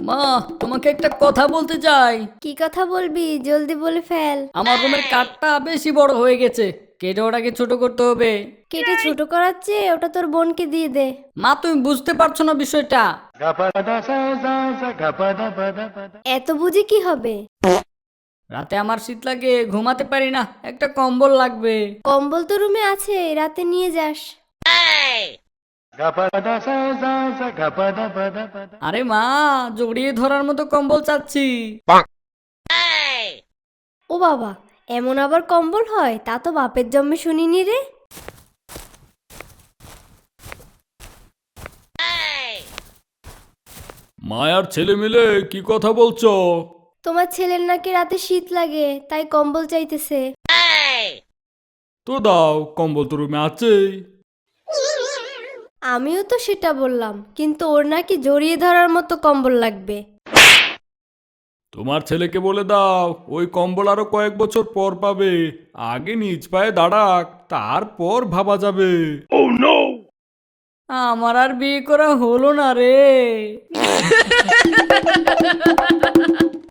মা, তোমাকে একটা কথা বলতে চাই। কি কথা বলবি? জলদি বলে ফেল। আমার রুমের কাঠটা বেশি বড় হয়ে গেছে, কেটে ওটাকে ছোট করতে হবে। কেটে ছোট করাচ্ছে, ওটা তোর বোনকে দিয়ে দে। মা, তুমি বুঝতে পারছো না বিষয়টা। এত বুঝি কি হবে? রাতে আমার শীত লাগে, ঘুমাতে পারি না, একটা কম্বল লাগবে। কম্বল তো রুমে আছে, রাতে নিয়ে যাস। আরে মা, জড়িয়ে ধরার মতো কম্বল চাচ্ছি। ও বাবা, এমন আবার কম্বল হয়? তা তো বাপের জন্মে শুনিনি রে। মায়ার ছেলে মিলে কি কথা বলছো? তোমার ছেলের নাকি রাতে শীত লাগে, তাই কম্বল চাইতেছে। তো দাও, কম্বল তো রুমে আছেই। আমিও তো সেটা বললাম, কিন্তু ওর নাকি জড়িয়ে ধরার মতো কম্বল লাগবে। তোমার ছেলেকে বলে দাও ওই কম্বল আরো কয়েক বছর পর পাবে। আগে নিজ পায়ে দাঁড়াক, তারপর ভাবা যাবে। আমার আর বিয়ে করা হলো না রে।